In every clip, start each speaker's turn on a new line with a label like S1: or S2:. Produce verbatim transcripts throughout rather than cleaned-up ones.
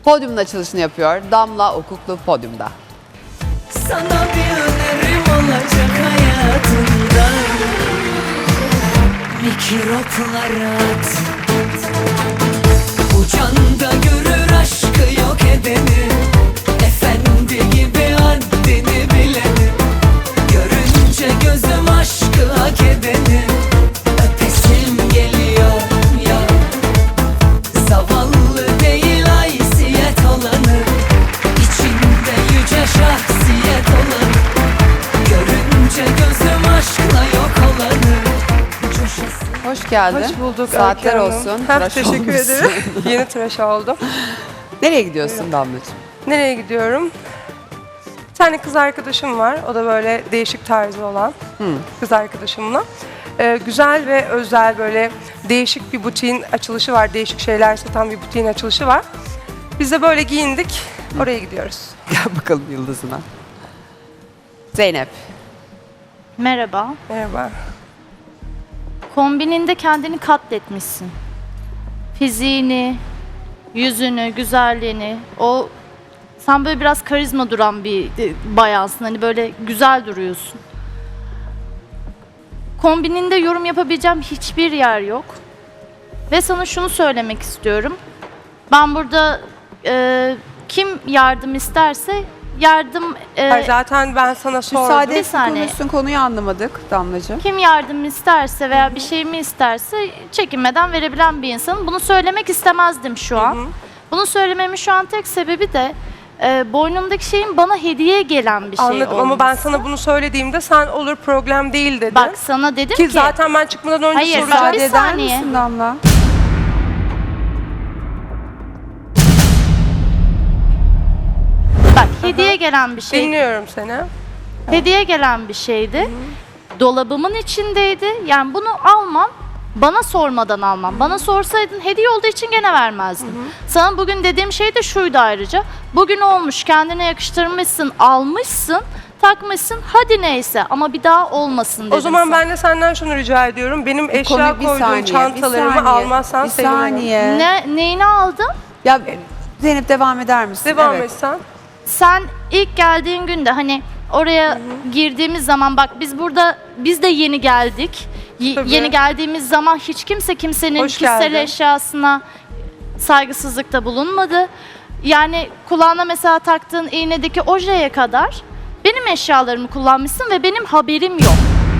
S1: Podyumun açılışını yapıyor. Damla Okuklu podyumda.
S2: Sana bir önerim olacak hayatında. Mikroplara at. Bu canda görür aşkı yok edeni. Efendi gibi haddini bileni. Görünce gözüm aşkı hak edeni. Öpesim geliyor ya. Zavallı değil haysiyet olanı. İçinde yüce şahsiyet olanı. Görünce gözüm aşkla yok olanı. Coşasın.
S1: Hoş geldin.
S3: Hoş bulduk.
S1: Saatler
S3: Öykü Hanım.
S1: olsun.
S3: Heh,
S1: Tıraş
S3: teşekkür
S1: olmuşsun.
S3: ederim. Yeni tıraş oldum.
S1: Nereye gidiyorsun Damlacığım?
S3: Nereye gidiyorum? Bir tane kız arkadaşım var. O da böyle değişik tarzı olan kız arkadaşımla. Ee, güzel ve özel böyle değişik bir butiğin açılışı var. Değişik şeyler satan bir butiğin açılışı var. Biz de böyle giyindik. Oraya gidiyoruz.
S1: Gel bakalım yıldızına. Zeynep.
S4: Merhaba.
S3: Merhaba.
S4: Kombininde kendini katletmişsin. Fiziğini, yüzünü, güzelliğini, o sen böyle biraz karizma duran bir e, bayansın. Hani böyle güzel duruyorsun. Kombininde yorum yapabileceğim hiçbir yer yok. Ve sana şunu söylemek istiyorum. Ben burada e, kim yardım isterse yardım e,
S3: Hayır, zaten ben sana sordum.
S1: Müsaade
S4: Bir
S1: et
S4: saniye.
S1: konuşsun, konuyu anlamadık Damlacığım.
S4: Kim yardım isterse veya bir şeyimi isterse çekinmeden verebilen bir insanım. Bunu söylemek istemezdim şu an. Bunu söylememin şu an tek sebebi de e, boynumdaki şeyin bana hediye gelen bir şey
S3: Anladım ama ben
S4: olması.
S3: sana bunu söylediğimde sen olur problem değil dedin.
S4: Bak sana dedim
S3: ki
S4: ki,
S3: zaten ben çıkmadan önce
S4: Hayır,
S3: soracağım.
S4: ben-
S1: Müsaade
S4: bir
S1: eder
S4: saniye.
S1: misin Damla?
S4: bak hediye gelen bir şey.
S3: Dinliyorum seni.
S4: Hediye gelen bir şeydi. Dolabımın içindeydi. Yani bunu almam. Bana sormadan almam. Bana sorsaydın hediye olduğu için gene vermezdim. Sana bugün dediğim şey de şuydu ayrıca. Bugün olmuş, kendine yakıştırmışsın, almışsın, takmışsın. Hadi neyse ama bir daha olmasın dedim
S3: O zaman
S4: sana.
S3: ben de senden şunu rica ediyorum. Benim eşya
S1: Konuyu bir
S3: koyduğum
S1: saniye, bir
S3: çantalarımı
S1: saniye,
S3: almazsan
S1: bir
S3: sevinirim.
S1: saniye.
S4: Ne, neyini aldın?
S1: Ya Zeynep devam eder misin?
S3: Devam
S1: Evet.
S3: etsen.
S4: Sen ilk geldiğin günde hani oraya girdiğimiz zaman bak biz burada biz de yeni geldik. Y-
S3: Tabii.
S4: yeni geldiğimiz zaman hiç kimse kimsenin
S3: Hoş
S4: kişisel
S3: geldin.
S4: eşyasına saygısızlıkta bulunmadı. Yani kulağına mesela taktığın iğnedeki ojeye kadar benim eşyalarımı kullanmışsın ve benim haberim yok.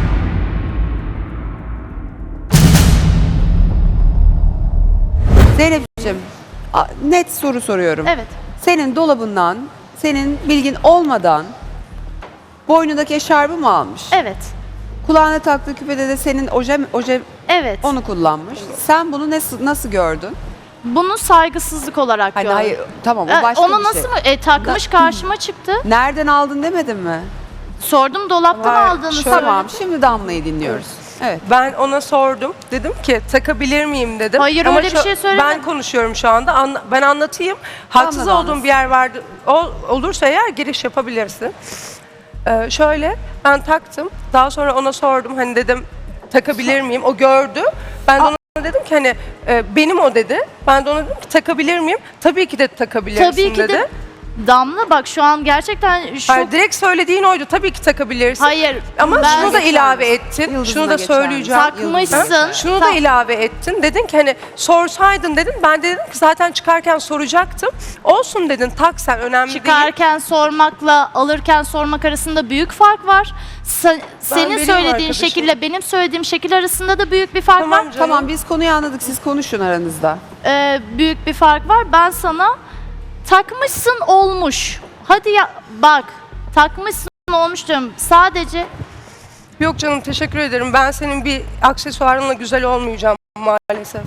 S1: Zeynep'ciğim a- net soru soruyorum.
S4: Evet.
S1: Senin dolabından, senin bilgin olmadan boynundaki eşarbı mı almış?
S4: Evet.
S1: Kulağına taktığı küpede de senin oje, oje
S4: Evet.
S1: onu kullanmış. Sen bunu nasıl nasıl gördün?
S4: Bunu saygısızlık olarak
S1: Hani
S4: gördüm.
S1: hayır tamam o
S4: Ee,
S1: başka
S4: Onu
S1: bir
S4: nasıl
S1: şey.
S4: mı? E, takmış karşıma çıktı.
S1: Nereden aldın demedin mi?
S4: Sordum dolaptan
S3: Hayır,
S4: aldığını
S3: şöyle-
S4: söyledim.
S1: Tamam şimdi Damla'yı dinliyoruz. Evet.
S3: Ben ona sordum. Dedim ki takabilir miyim dedim.
S4: Hayır,
S3: Ama
S4: öyle bir
S3: şu-
S4: şey söylemedim.
S3: Ben konuşuyorum şu anda. Anla- ben anlatayım. Haksız
S1: Anlat,
S3: olduğum
S1: anlat.
S3: bir yer vardı. O, olursa eğer giriş yapabilirsin. Ee, şöyle ben taktım. Daha sonra ona sordum. Hani dedim takabilir miyim? O gördü. Ben de ona dedim ki hani e, benim o dedi. Ben de ona dedim ki takabilir miyim? Tabii ki de takabilirsin
S4: Tabii ki
S3: dedi.
S4: de Damla bak şu an gerçekten şu
S3: Hayır, direkt söylediğin oydu. Tabii ki takabilirsin.
S4: Hayır,
S3: Ama
S4: ben-
S3: şunu da ilave ettin.
S1: Yıldızına
S3: şunu da
S1: geçer
S3: söyleyeceğim.
S4: misin? Takmışsın.
S3: Ha? Şunu da
S4: Tak-
S3: ilave ettin. Dedin ki hani sorsaydın dedin. Ben de dedim ki zaten çıkarken soracaktım. Olsun dedin. Tak sen önemli değil.
S4: çıkarken sormakla alırken sormak arasında büyük fark var. Sen- senin
S3: benim
S4: söylediğin
S3: arkadaşım.
S4: şekille benim söylediğim şekil arasında da büyük bir fark
S3: Tamam
S4: var.
S3: canım.
S1: Tamam biz konuyu anladık. Siz konuşun aranızda.
S4: Ee, büyük bir fark var. Ben sana takmışsın olmuş. Hadi ya bak takmışsın olmuş diyorum. Sadece
S3: Yok canım teşekkür ederim. Ben senin bir aksesuarınla güzel olmayacağım maalesef.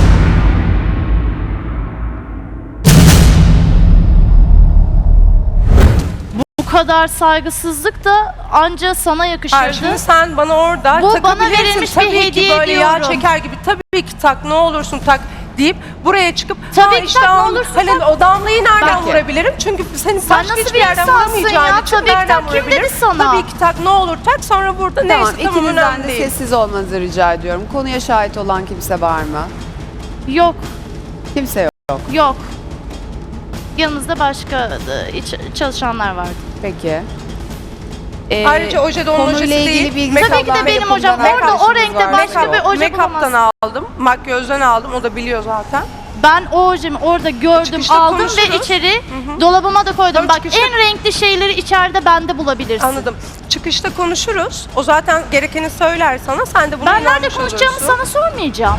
S4: bu kadar saygısızlık da anca sana yakışırdı.
S3: Hayır, şimdi sen bana orada
S4: Bu bana
S3: takabilirsin.
S4: verilmiş bir
S3: Tabii ki
S4: hediye
S3: böyle yağ
S4: diyorum.
S3: çeker gibi tabii ki tak ne olursun tak deyip buraya çıkıp
S4: Tabii
S3: "Ha
S4: ki
S3: işte
S4: tak, ne
S3: al-
S4: olursun
S3: hani
S4: tak."
S3: o damlayı nereden
S1: Peki.
S3: vurabilirim? Çünkü senin
S4: Sen
S3: başka
S4: nasıl
S3: hiçbir
S4: bir
S3: yerden
S4: insansın
S3: vuramayacağın
S4: ya?
S3: için
S4: Tabii ki
S3: nereden
S4: tak. Kim
S3: vurabilirim?
S4: dedi sana?
S3: Tabii ki tak ne olur tak sonra burada
S1: Tamam
S3: neyse tamam
S1: ikinizden
S3: önemli
S1: de
S3: değil.
S1: sessiz olmanızı rica ediyorum. Konuya şahit olan kimse var mı?
S4: Yok,
S1: Kimse yok.
S4: yok. yanımızda başka e, iç- çalışanlar vardı.
S1: Peki. Ee,
S3: Ayrıca oje de onun
S1: konuyla
S3: ojesi
S1: ilgili
S3: değil.
S1: bilgi
S4: Tabii ki de
S1: alan
S4: benim
S1: yapımdan
S4: hocam. Orada o
S1: arkadaşımız
S4: renkte
S1: var.
S4: başka bir oje
S3: Make-up'tan
S4: bulamazsın.
S3: aldım, makyözden aldım. O da biliyor zaten.
S4: Ben o ojemi orada gördüm,
S3: Çıkışta
S4: aldım ve
S3: konuşuruz.
S4: içeri dolabıma da koydum.
S3: Tamam,
S4: Bak
S3: çıkışta-
S4: en renkli şeyleri içeride bende bulabilirsin.
S3: Anladım. Çıkışta konuşuruz. O zaten gerekeni söyler sana. Sen de bunu
S4: Ben nerede
S3: inanmış
S4: konuşacağımı
S3: olursun.
S4: sana sormayacağım.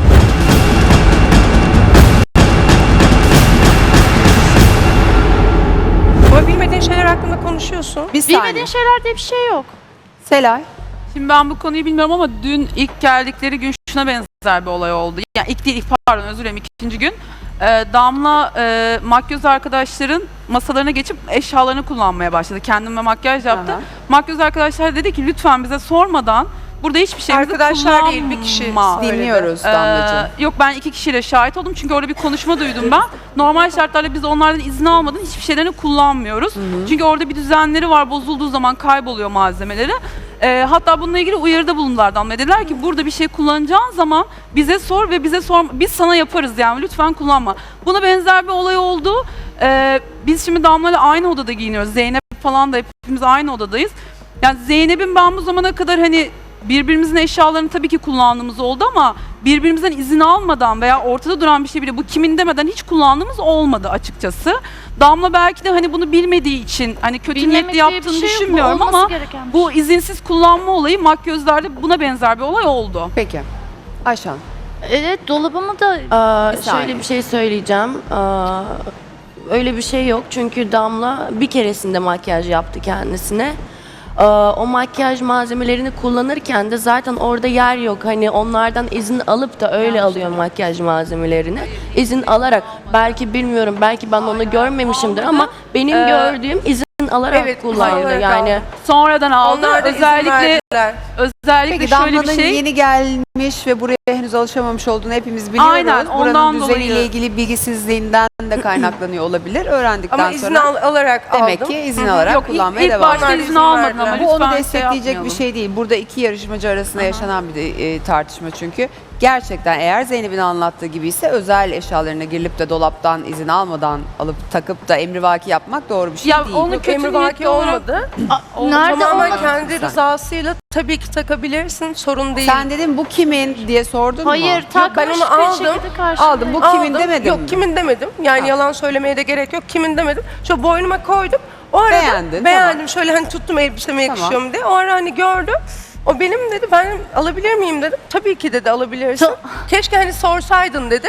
S3: Ama bilmediğin şeyler hakkında konuşuyorsun.
S1: Bir saniye.
S4: Bilmediğin şeyler diye bir şey yok.
S1: Selay.
S5: Şimdi ben bu konuyu bilmiyorum ama dün ilk geldikleri gün şuna benzer bir olay oldu. Yani ilk değil, ilk pardon özür dilerim ikinci gün. Ee, Damla e, makyöz arkadaşların masalarına geçip eşyalarını kullanmaya başladı. Kendime makyaj yaptı.
S1: Aha.
S5: Makyöz arkadaşlar dedi ki lütfen bize sormadan burada hiçbir şeyimizi
S3: Arkadaşlar
S5: kullanma.
S3: değil, bir kişi söyledi.
S1: Dinliyoruz
S5: Ee,
S1: Damlacığım.
S5: yok ben iki kişiyle şahit oldum çünkü orada bir konuşma duydum ben. Normal şartlarda biz onlardan izin almadan hiçbir şeylerini kullanmıyoruz. Çünkü orada bir düzenleri var, bozulduğu zaman kayboluyor malzemeleri. Ee, hatta bununla ilgili uyarıda bulundular Damla. Dediler ki burada bir şey kullanacağın zaman bize sor ve bize sor, biz sana yaparız yani lütfen kullanma. Buna benzer bir olay oldu. Ee, biz şimdi Damla'yla aynı odada giyiniyoruz. Zeynep falan da hepimiz aynı odadayız. Yani Zeynep'in ben bu zamana kadar hani birbirimizin eşyalarını tabii ki kullandığımız oldu ama birbirimizden izin almadan veya ortada duran bir şey bile bu kimin demeden hiç kullandığımız olmadı açıkçası. Damla belki de hani bunu bilmediği için hani kötü
S4: Bilmemek
S5: niyetli
S4: diye bir
S5: yaptığını
S4: şey yok, bu
S5: düşünmüyorum
S4: olması
S5: ama
S4: gereken bir
S5: bu izinsiz kullanma olayı makyözlerde buna benzer bir olay oldu.
S1: Peki. Ayşan.
S4: Evet dolabımı da
S6: Aa,
S1: Bir saniye.
S6: şöyle bir şey söyleyeceğim. Aa, öyle bir şey yok çünkü Damla bir keresinde makyaj yaptı kendisine. Aa, o makyaj malzemelerini kullanırken de zaten orada yer yok. Hani onlardan izin alıp da öyle alıyor makyaj malzemelerini. İzin alarak belki bilmiyorum belki ben onu görmemişimdir ama benim
S5: Ee,
S6: gördüğüm izin alarak
S3: evet, izin
S6: kullandı.
S3: alarak
S6: Yani
S3: aldı.
S5: Sonradan aldı.
S3: Onlar da izin
S5: Özellikle
S3: verdiler.
S5: özellikle
S1: Peki
S5: şöyle bir
S1: Damla'nın
S5: şey.
S1: yeni gelmiş ve buraya henüz alışamamış olduğunu hepimiz biliyoruz.
S5: Aynen,
S1: Buranın
S5: ondan
S1: düzeniyle
S5: dolayı.
S1: ilgili bilgisizliğinden de kaynaklanıyor olabilir. Öğrendikten
S3: Ama izin
S1: sonra
S3: al- alarak
S1: demek
S3: aldım.
S1: ki izin alarak
S5: Yok ilk,
S1: kullanmaya
S5: ilk
S1: devam
S5: başta
S3: Onlar
S5: izin
S3: izin
S5: almadın
S3: verdiler.
S5: ama
S1: Bu onu
S5: lütfen şey
S1: destekleyecek bir
S5: yapmayalım.
S1: şey değil. Burada iki yarışmacı arasında yaşanan bir de, e, tartışma çünkü. Gerçekten eğer Zeynep'in anlattığı gibi ise özel eşyalarına girilip de dolaptan izin almadan alıp takıp da emrivaki yapmak doğru bir şey
S5: Ya
S1: değil.
S5: onu
S3: Yok,
S5: kötü
S3: emrivaki
S5: niyetli olarak-
S3: olmadı.
S4: nerede
S3: Tamamen
S4: olmadı?
S3: kendi
S1: Sen.
S3: rızasıyla tabii ki takabilirsin. Sorun değil.
S1: Sen dedin bu kimin diye sordun mu?
S4: hayır takmış
S3: ben onu
S4: bir
S3: aldım.
S4: şekilde karşımda.
S1: Aldım, bu kimin
S3: Aldım.
S1: demedin
S3: Yok
S1: mi?
S3: kimin demedim. Yani
S1: Ha.
S3: yalan söylemeye de gerek yok. Kimin demedim. Şu boynuma koydum. O arada
S1: Beğendin,
S3: beğendim.
S1: tamam.
S3: Şöyle hani tuttum elbiseme
S1: Tamam.
S3: yakışıyor mu diye. O ara hani gördüm. O benim dedi. Ben alabilir miyim dedim. Tabii ki dedi alabilirsin.
S4: Ta-
S3: Keşke hani sorsaydın dedi.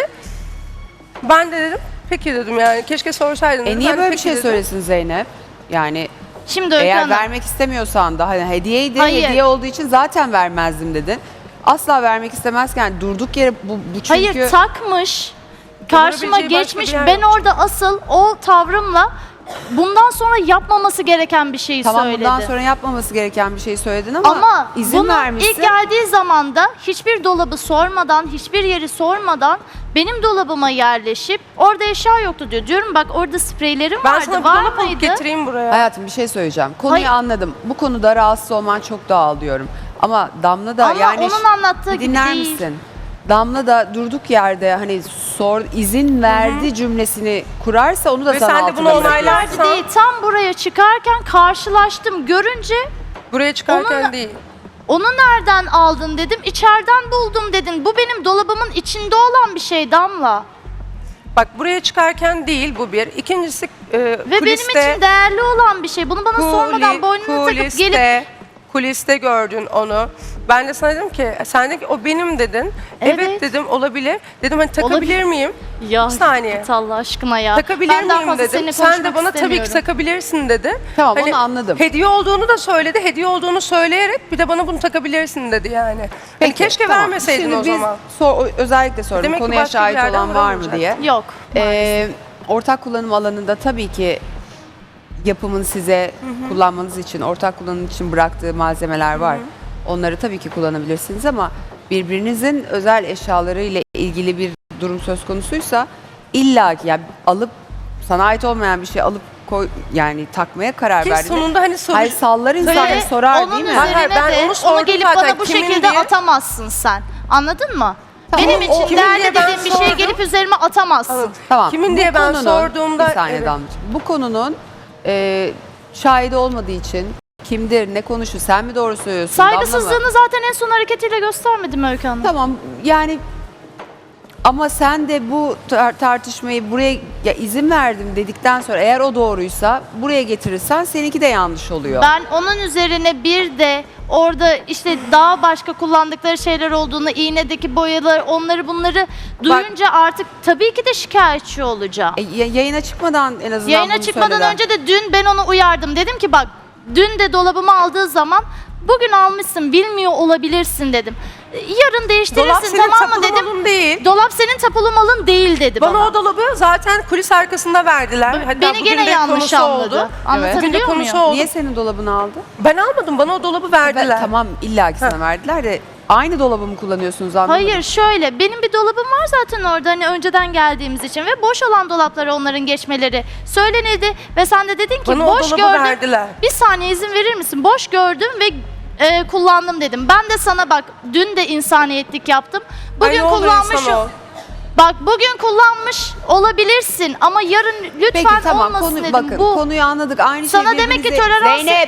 S3: Ben de dedim. Peki dedim yani. Keşke sorsaydın dedim.
S1: E niye
S3: Ben de
S1: böyle bir
S3: peki
S1: şey
S3: dedim.
S1: söylesin Zeynep? Yani
S4: Şimdi Öykü
S1: eğer
S4: Hanım,
S1: vermek istemiyorsan da hani hediyeydi,
S4: Hayır.
S1: hediye olduğu için zaten vermezdim dedin. Asla vermek istemezken durduk yere bu, bu çünkü...
S4: hayır takmış. Karşıma
S3: Yapabileceği başka
S4: geçmiş.
S3: bir yer
S4: Ben
S3: yok.
S4: orada asıl o tavrımla bundan sonra yapmaması gereken bir şeyi
S1: Tamam
S4: söyledi.
S1: bundan sonra yapmaması gereken bir şey söyledin ama,
S4: Ama
S1: izin
S4: bunu
S1: vermişsin.
S4: ilk geldiği zaman da hiçbir dolabı sormadan, hiçbir yeri sormadan benim dolabıma yerleşip orada eşya yoktu diyor. Diyorum bak orada spreylerim
S3: Ben
S4: vardı.
S3: sana bir
S4: Var
S3: dolap alıp
S4: mıydı?
S3: getireyim buraya.
S1: Hayatım bir şey söyleyeceğim. Konuyu
S4: Hayır.
S1: anladım. Bu konuda rahatsız olman çok doğal diyorum. Ama Damla da
S4: Ama
S1: yani...
S4: onun anlattığı
S1: Bir
S4: gibi
S1: dinler
S4: değil.
S1: misin? Damla da durduk yerde hani sor izin verdi cümlesini kurarsa onu da
S3: Ve
S1: sana
S3: sen de bunu
S1: altına
S3: onaylar-
S1: bırakıyorsun.
S4: Verdi değil. Tam buraya çıkarken karşılaştım. Görünce
S3: Buraya çıkarken
S4: Onun-
S3: değil.
S4: onu nereden aldın dedim. İçeriden buldum dedin. Bu benim dolabımın içinde olan bir şey Damla.
S3: Bak buraya çıkarken değil bu bir. İkincisi e,
S4: Ve
S3: kuliste,
S4: benim için değerli olan bir şey. Bunu bana sormadan boynuna takıp
S3: kuliste,
S4: gelip
S3: kuliste gördün onu. Ben de sana dedim ki sen de ki o benim dedin. Evet,
S4: Evet.
S3: dedim olabilir. Dedim hani takabilir
S4: Olabilir.
S3: miyim?
S4: ya
S3: Bir saniye.
S4: git Allah aşkına ya.
S3: Takabilir
S4: Ben daha
S3: miyim
S4: fazla
S3: dedim.
S4: seninle
S3: Sen de
S4: konuşmak
S3: bana tabii ki
S4: istemiyorum.
S3: takabilirsin dedi.
S1: Tamam,
S3: Hani
S1: onu anladım.
S3: Hediye olduğunu da söyledi. Hediye olduğunu söyleyerek bir de bana bunu takabilirsin dedi yani. Hani
S1: Peki,
S3: keşke
S1: tamam.
S3: vermeseydin
S1: Şimdi
S3: o
S1: biz
S3: zaman.
S1: sor- özellikle sordum
S3: Demek ki
S1: konuya
S3: başka bir
S1: şahit
S3: yerden
S1: olan var mı
S3: bulamayacak.
S1: diye.
S4: Yok.
S1: Ee, ortak kullanım alanında tabii ki yapımın size kullanmanız için, ortak kullanım için bıraktığı malzemeler var. Onları tabii ki kullanabilirsiniz ama birbirinizin özel eşyaları ile ilgili bir durum söz konusuysa illa ki yani alıp sana ait olmayan bir şey alıp koy yani takmaya karar
S3: Ki
S1: verdiğinde
S3: sonunda hani soru...
S1: hayır sallar insan
S4: Ve
S1: ve sorar
S4: onun
S1: değil mi?
S4: üzerine
S3: Hayır, ben
S4: de
S3: onu
S4: onu
S3: sordum
S4: gelip
S3: zaten,
S4: bana bu
S3: kimin
S4: şekilde
S3: diye.
S4: atamazsın sen. Anladın mı? Benim
S3: o-
S4: için
S3: kimin
S4: değerli
S3: diye ben
S4: dediğim bir şeyi
S3: sordum.
S4: gelip üzerime atamazsın.
S1: Tamam.
S3: Kimin
S1: bu
S3: diye ben
S1: konunun-
S3: sorduğumda-
S1: Bir saniye
S3: Evet.
S1: Damlacığım. Bu konunun e, şahidi olmadığı için kimdir, ne konuşur, sen mi doğru söylüyorsun? Damla mı?
S4: Saygısızlığını zaten en son hareketiyle göstermedim Öykü Hanım.
S1: Tamam yani ama sen de bu tar- tartışmayı buraya ya izin verdim dedikten sonra eğer o doğruysa buraya getirirsen seninki de yanlış oluyor.
S4: Ben onun üzerine bir de orada işte daha başka kullandıkları şeyler olduğunu, iğnedeki boyalar, onları bunları duyunca artık tabii ki de şikayetçi olacağım.
S1: E, ya- yayına çıkmadan en azından
S4: Yayına
S1: bunu
S4: çıkmadan
S1: söyle de.
S4: önce de dün ben onu uyardım. Dedim ki bak dün de dolabımı aldığı zaman bugün almışsın bilmiyor olabilirsin dedim. Yarın değiştirirsin
S3: Dolap senin
S4: tamam mı
S3: tapulu
S4: dedim.
S3: malın değil.
S4: Dolap senin tapulu malın değil dedi bana.
S3: Bana o dolabı zaten kulis arkasında verdiler. Hatta
S4: Beni
S3: bugün
S4: gene
S3: de
S4: yanlış
S3: konusu
S4: anladı.
S3: oldu.
S4: Anlatabiliyor
S3: Bugün de
S4: muyum?
S3: konusu oldu.
S1: Niye senin dolabını aldı?
S3: Ben almadım. Bana o dolabı
S1: Ben-
S3: verdiler.
S1: tamam illa ki sana verdiler de aynı dolabı mı kullanıyorsunuz anlamadım.
S4: Hayır şöyle benim bir dolabım var zaten orada hani önceden geldiğimiz için ve boş olan dolaplara onların geçmeleri söylenildi ve sen de dedin ki
S3: Bana o
S4: boş
S3: dolabı
S4: gördüm.
S3: verdiler.
S4: Bir saniye izin verir misin? Boş gördüm ve e, kullandım dedim. Ben de sana bak dün de insaniyetlik yaptım. Bugün
S3: Ay, ne olur
S4: kullanmışım.
S3: insan ol.
S4: Bak bugün kullanmış olabilirsin ama yarın lütfen
S1: Peki tamam
S4: olmasın
S1: konu,
S4: dedim.
S1: bakın
S4: Bu
S1: konuyu anladık. Aynı
S4: Sana
S1: şey
S4: demek ki
S1: birbirinize-
S4: tolerans-
S1: Zeynep.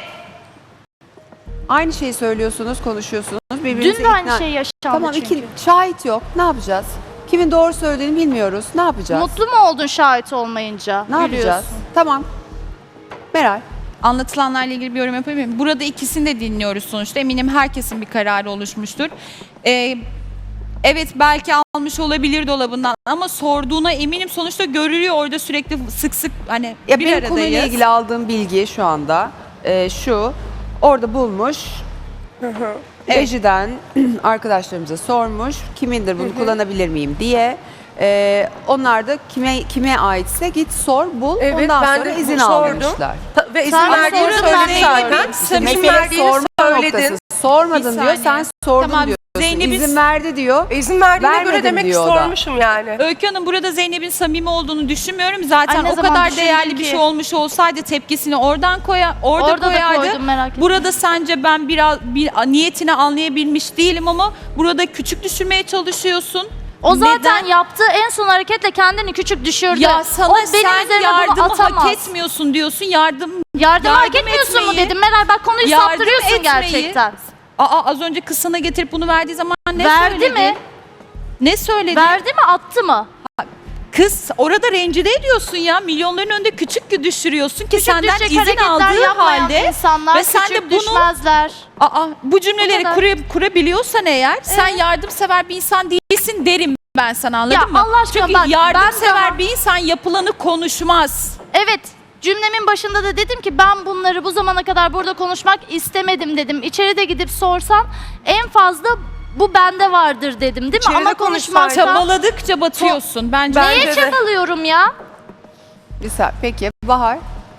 S1: Aynı şeyi söylüyorsunuz, konuşuyorsunuz. Birbirinize
S4: dün de aynı
S1: ikna-
S4: şey yaşandı
S1: Tamam
S4: çünkü.
S1: iki şahit yok. Ne yapacağız? Kimin doğru söylediğini bilmiyoruz. Ne yapacağız?
S4: Mutlu mu oldun şahit olmayınca?
S1: ne yapacağız?
S4: Gülüyorsun.
S1: Tamam. Meral.
S7: Anlatılanlarla ilgili bir yorum yapabilir miyim? Burada ikisini de dinliyoruz sonuçta. Eminim herkesin bir kararı oluşmuştur. Ee, evet belki almış olabilir dolabından ama sorduğuna eminim sonuçta görülüyor orada sürekli sık sık hani
S1: Ya
S7: bir
S1: benim
S7: aradayız.
S1: konuyla ilgili aldığım bilgi şu anda e, şu. Orada bulmuş. Rejiden arkadaşlarımıza sormuş. Kimindir bunu kullanabilir miyim diye. E, onlar da kime kime aitse git sor bul.
S3: Evet,
S1: Ondan
S3: ben
S1: sonra
S3: de
S1: izin
S3: sordum.
S1: al demişler.
S3: Ta- ve izin
S4: Sen
S3: verdiğini
S4: sordun,
S3: söyledin
S4: ben
S3: zaten.
S4: bilmiyorum.
S1: İşte
S3: İzin
S1: mesele
S3: verdiğini
S1: sorma
S3: söyledin.
S1: noktası. Sormadın
S7: Bir
S1: diyor.
S7: saniye.
S1: Sen sordun
S7: Tamam,
S1: diyorsun.
S7: Zeynep'in-
S1: İzin verdi diyor.
S3: İzin verdiğine
S1: Vermedim
S3: göre demek ki
S1: diyor o da.
S3: sormuşum yani.
S7: Öykü Hanım burada Zeynep'in samimi olduğunu düşünmüyorum. Zaten
S4: Ay, ne
S7: o
S4: zaman
S7: kadar
S4: düşündün
S7: değerli bir
S4: ki?
S7: şey olmuş olsaydı tepkisini oradan koya, orada,
S4: Orada da
S7: koyardı.
S4: koydum, merak etme.
S7: Burada sence ben biraz bir niyetini anlayabilmiş değilim ama burada küçük düşürmeye çalışıyorsun.
S4: O zaten
S7: Neden?
S4: yaptığı en son hareketle kendini küçük düşürdü.
S7: Ya sana
S4: o benim
S7: sen
S4: üzerime bunu
S7: yardımı
S4: atamaz.
S7: hak etmiyorsun diyorsun. Yardım
S4: Yardım, hak
S7: yardım
S4: etmiyorsun mu
S7: etmeyi-
S4: dedim. Meral bak konuyu
S7: yardım
S4: saptırıyorsun
S7: etmeyi-
S4: gerçekten.
S7: Aa az önce kız sana getirip bunu verdiği zaman ne
S4: Verdi
S7: söyledi?
S4: mi?
S7: Ne söyledi?
S4: Verdi mi attı mı?
S7: Kız orada rencide ediyorsun ya. Milyonların önünde küçük düşürüyorsun ki
S4: Küçük
S7: senden
S4: düşecek
S7: izin
S4: hareketler
S7: aldığı
S4: yapmayan
S7: halde
S4: insanlar
S7: ve sen
S4: küçük
S7: de bunu
S4: düşmezler.
S7: aa bu cümleleri
S4: kadar.
S7: kura- kurabiliyorsan eğer sen yardımsever bir insan değilsin derim ben sana anladın
S4: Ya
S7: mı?
S4: Allah aşkına
S7: Çünkü
S4: bak, ben
S7: yardımsever
S4: daha-
S7: bir insan yapılanı konuşmaz.
S4: Evet cümlemin başında da dedim ki ben bunları bu zamana kadar burada konuşmak istemedim dedim. İçeride gidip sorsan en fazla bu bende vardır dedim değil mi?
S3: İçeride
S4: Ama
S3: konuşsaydın.
S4: konuşmakta
S7: Çabaladıkça batıyorsun bence.
S3: Ben-
S4: neye
S3: Bence de.
S4: çabalıyorum ya?
S1: Güzel. Peki Bahar.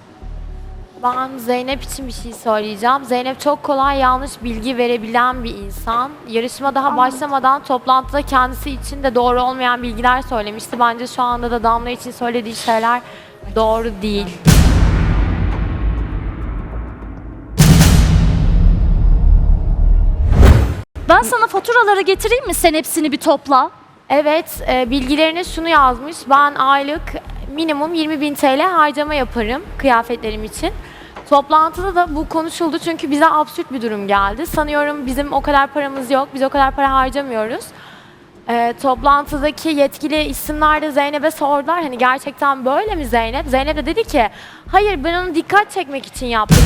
S8: Ben Zeynep için bir şey söyleyeceğim. Zeynep çok kolay yanlış bilgi verebilen bir insan. Yarışma daha başlamadan toplantıda kendisi için de doğru olmayan bilgiler söylemişti. Bence şu anda da Damla için söylediği şeyler doğru değil.
S4: Ben sana faturaları getireyim mi? Sen hepsini bir topla.
S8: Evet, e, bilgilerine şunu yazmış. Ben aylık minimum yirmi bin T L harcama yaparım kıyafetlerim için. Toplantıda da bu konuşuldu çünkü bize absürt bir durum geldi. Sanıyorum bizim o kadar paramız yok, biz o kadar para harcamıyoruz. E, toplantıdaki yetkili isimler de Zeynep'e sordular. Hani gerçekten böyle mi Zeynep? Zeynep de dedi ki, hayır ben onu dikkat çekmek için yaptım.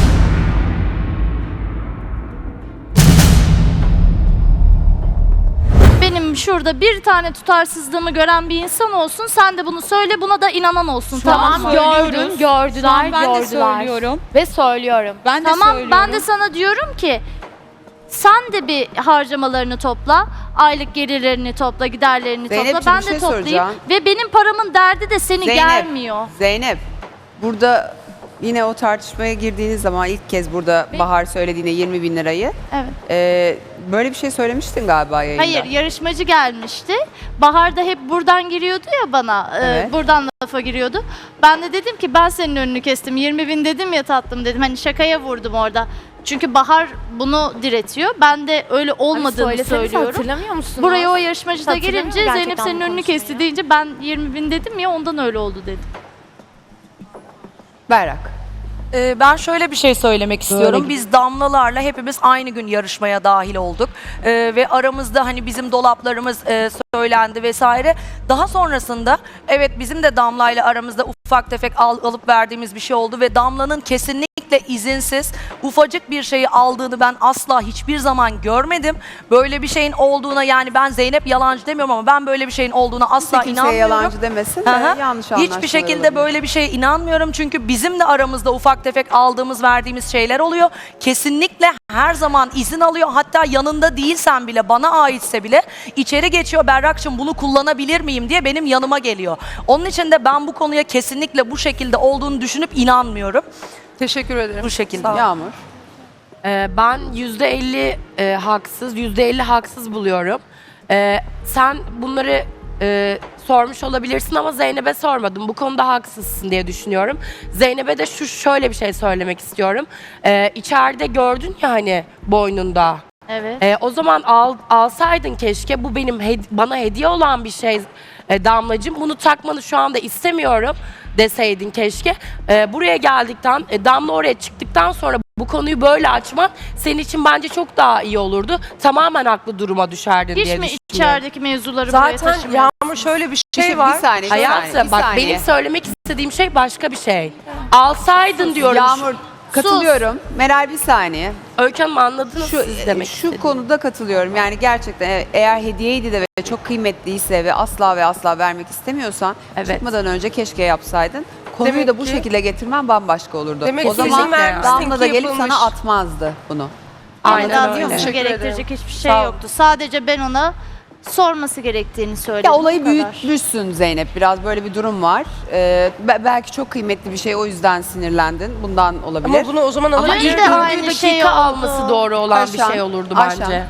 S4: Benim şurada bir tane tutarsızlığımı gören bir insan olsun. Sen de bunu söyle, buna da inanan olsun. Tamam
S8: Tamam
S4: mı?
S7: söylüyoruz.
S8: gördüm,
S7: Şu an
S8: gördüler,
S7: ben de
S8: gördüler.
S7: söylüyorum.
S8: Ve söylüyorum.
S7: Ben de
S4: Tamam
S7: söylüyorum.
S4: ben de sana diyorum ki sen de bir harcamalarını topla, aylık gelirlerini topla, giderlerini
S1: Zeynepciğim,
S4: topla. Ben
S1: bir
S4: de
S1: şey
S4: toplayayım
S1: soracağım.
S4: ve benim paramın derdi de seni
S1: Zeynep.
S4: gelmiyor.
S1: Zeynep. Burada yine o tartışmaya girdiğiniz zaman ilk kez burada Bahar söylediğine yirmi bin lirayı.
S4: Evet.
S1: e, böyle bir şey söylemiştin galiba yayında.
S4: Hayır, yarışmacı gelmişti. Bahar da hep buradan giriyordu ya bana. e,
S1: Evet.
S4: buradan lafa giriyordu. Ben de dedim ki ben senin önünü kestim. yirmi bin dedim ya tatlım dedim. Hani şakaya vurdum orada. Çünkü Bahar bunu diretiyor. Ben de öyle olmadığını
S8: söyleseniz
S4: söylüyorum.
S8: hatırlamıyor musunuz?
S4: Buraya o yarışmacı da
S8: Hatırlamıyor
S4: gelince
S8: gerçekten
S4: Zeynep
S8: bu
S4: senin önünü
S8: konuşmayı.
S4: kesti deyince ben yirmi bin dedim ya ondan öyle oldu dedim.
S1: Berrak.
S9: Ee, ben şöyle bir şey söylemek istiyorum. Biz Damlalarla hepimiz aynı gün yarışmaya dahil olduk. Ee, ve aramızda hani bizim dolaplarımız e, söylendi vesaire. Daha sonrasında evet bizim de Damla'yla aramızda ufak tefek al, alıp verdiğimiz bir şey oldu ve Damla'nın kesinlikle izinsiz ufacık bir şeyi aldığını ben asla hiçbir zaman görmedim. Böyle bir şeyin olduğuna, yani ben Zeynep yalancı demiyorum ama ben böyle bir şeyin olduğuna asla
S1: Kimseye
S9: inanmıyorum.
S1: yalancı demesin de
S9: Hı hı.
S1: yanlış anlaşmalar
S9: Hiçbir şekilde
S1: olabilir.
S9: böyle bir şeye inanmıyorum çünkü bizim de aramızda ufak tefek aldığımız verdiğimiz şeyler oluyor. Kesinlikle her zaman izin alıyor. Hatta yanında değilsen bile, bana aitse bile içeri geçiyor. Berrak'cığım bunu kullanabilir miyim diye benim yanıma geliyor. Onun için de ben bu konuya kesinlikle bu şekilde olduğunu düşünüp inanmıyorum.
S3: Teşekkür ederim.
S9: Bu şekilde.
S3: Sağ ol.
S1: Yağmur.
S10: Ee, ben yüzde elli e, haksız, yüzde elli haksız buluyorum. Ee, sen bunları e, sormuş olabilirsin ama Zeynep'e sormadım. Bu konuda haksızsın diye düşünüyorum. Zeynep'e de şu şöyle bir şey söylemek istiyorum. Ee, içeride gördün ya hani boynunda.
S4: Evet.
S10: Ee, o zaman al, alsaydın keşke. Bu benim hed- bana hediye olan bir şey e, Damlacığım. Bunu takmanı şu anda istemiyorum deseydin keşke. Ee, buraya geldikten, e, Damla oraya çıktıktan sonra bu konuyu böyle açman senin için bence çok daha iyi olurdu. Tamamen haklı duruma düşerdin
S4: Hiç
S10: diye
S4: mi
S10: düşünüyorum.
S4: içerideki mevzuları buraya
S3: Zaten
S4: taşımıyorsun?
S3: Yağmur şöyle bir
S1: Bir,
S3: şey
S1: bir
S3: var.
S1: saniye. bir saniye,
S10: Hayatım
S1: bir
S10: bak
S1: saniye.
S10: benim söylemek istediğim şey başka bir şey. Alsaydın diyorum.
S1: Yağmur katılıyorum. Meral bir saniye.
S10: Öykü Hanım anladınız
S1: Şu,
S10: siz demek
S1: şu
S10: istediğimi.
S1: konuda katılıyorum. Yani gerçekten e- eğer hediyeydi de ve çok kıymetliyse ve asla ve asla vermek istemiyorsan
S10: Evet.
S1: çıkmadan önce keşke yapsaydın. Konuyu
S3: Demek
S1: da bu
S3: ki-
S1: şekilde getirmen bambaşka olurdu.
S3: Demek
S1: o
S3: ki
S1: zaman
S3: izin vermişsin
S1: Damla da
S3: ki
S1: gelip
S3: yapılmış.
S1: sana atmazdı bunu.
S10: Aynen
S4: Anladın
S10: öyle.
S4: mı?
S3: Teşekkür
S4: Gerektirecek
S3: ederim.
S4: hiçbir şey
S3: Sağ ol.
S4: yoktu. Sadece ben ona sorması gerektiğini söyledim.
S1: Ya olayı
S4: bu kadar.
S1: büyütmüşsün Zeynep. Biraz böyle bir durum var. Ee, be- belki çok kıymetli bir şey, o yüzden sinirlendin. Bundan olabilir.
S3: Ama bunu o zaman
S10: Ama
S3: alabilir.
S4: bir de
S10: ilk
S4: aynı
S10: dördüncü
S4: şey
S10: dakika
S4: oldu.
S10: alması doğru olan bir
S1: Ayşen,
S10: şey olurdu
S1: Ayşen.
S10: bence.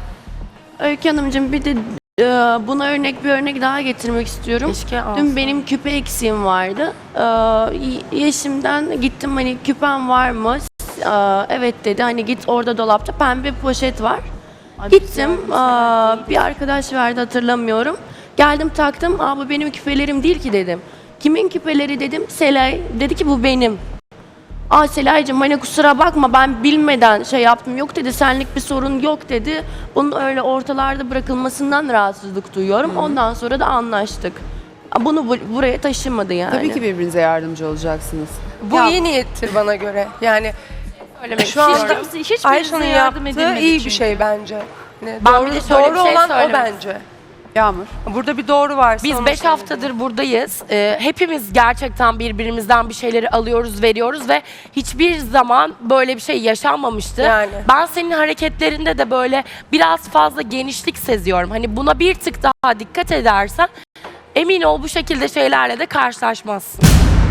S6: Öykü Hanımcığım bir de e, buna örnek bir örnek daha getirmek istiyorum.
S10: Keşke alsa.
S6: Dün benim küpe eksiğim vardı. Ee, y- Yeşim'den gittim, hani küpem var mı? Ee, evet dedi. Hani git orada dolapta pembe poşet var.
S4: Ay,
S6: Gittim.
S4: güzel,
S6: aa,
S4: güzel.
S6: bir arkadaş verdi, hatırlamıyorum. Geldim taktım. Aa, bu benim küpelerim değil ki dedim. Kimin küpeleri dedim. Selay dedi ki bu benim. Aa Selaycığım hani kusura bakma ben bilmeden şey yaptım, yok dedi, senlik bir sorun yok dedi. Bunun öyle ortalarda bırakılmasından rahatsızlık duyuyorum. Ondan sonra da anlaştık. Aa, Bunu bu- buraya taşımadı yani.
S1: Tabii ki birbirinize yardımcı olacaksınız.
S3: Bu
S1: Ya-
S3: iyi niyettir bana göre. Yani
S10: Söylemek
S3: şu anda
S4: Hiç kimse, hiçbirinize
S3: Ayşe'nin
S4: yardım
S3: yaptığı
S4: edilmedi
S3: iyi bir
S4: çünkü.
S3: şey bence. Yani
S10: Ben
S3: doğru,
S10: bir de şöyle
S3: doğru
S10: bir şey
S3: olan o
S10: söylemek
S3: bence.
S1: Yağmur.
S3: Burada bir doğru varsa
S10: Biz
S3: onu
S10: beş
S3: söyleyeyim.
S10: haftadır buradayız. Ee, hepimiz gerçekten birbirimizden bir şeyleri alıyoruz, veriyoruz ve hiçbir zaman böyle bir şey yaşanmamıştı.
S3: Yani.
S10: Ben senin hareketlerinde de böyle biraz fazla genişlik seziyorum. Hani buna bir tık daha dikkat edersen emin ol bu şekilde şeylerle de karşılaşmazsın.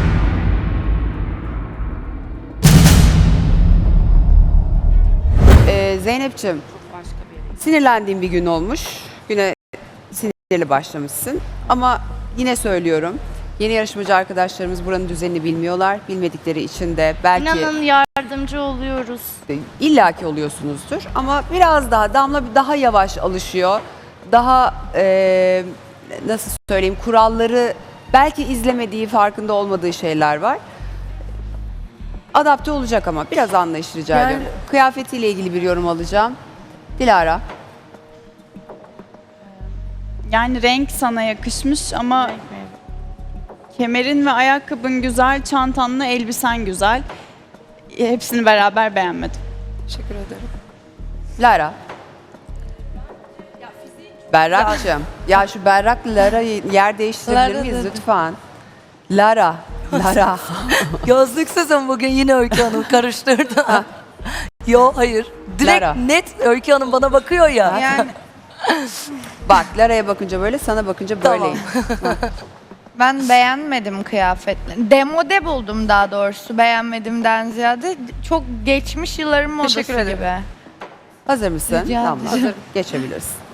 S1: Ee, Zeynep'ciğim, sinirlendiğin bir gün olmuş. Güne sinirli başlamışsın. Ama yine söylüyorum, yeni yarışmacı arkadaşlarımız buranın düzenini bilmiyorlar. Bilmedikleri için de belki
S4: İnanın yardımcı oluyoruz.
S1: illaki oluyorsunuzdur. Ama biraz daha, Damla daha yavaş alışıyor. Daha e, nasıl söyleyeyim, kuralları belki izlemediği, farkında olmadığı şeyler var. Adapte olacak ama biraz anlayış rica
S3: Yani-
S1: ediyorum. Kıyafetiyle ilgili bir yorum alacağım. Dilara.
S11: Yani renk sana yakışmış ama kemerin ve ayakkabın güzel, çantanla elbisen güzel. Hepsini beraber beğenmedim.
S3: Teşekkür ederim.
S1: Lara. Berrak'cığım. Ya şu Berrak'la Lara'yı yer değiştirebilir
S9: Lara
S1: miyiz
S9: dedim.
S1: lütfen? Lara. Lara.
S9: Gözlüksüzüm bugün yine Öykü Hanım karıştırdı. Yo hayır. Direkt
S1: Lara.
S9: net Öykü Hanım bana bakıyor ya.
S11: Yani
S1: Bak Lara'ya bakınca böyle, sana bakınca
S9: Tamam.
S1: böyleyim.
S12: Ben beğenmedim kıyafetleri. Demode buldum daha doğrusu, beğenmedimden ziyade. Çok geçmiş yılların modası
S3: Teşekkür ederim.
S12: gibi.
S1: Hazır mısın?
S12: Rica
S1: Tamam,
S12: ederim.
S1: hazır. Geçebilirsin.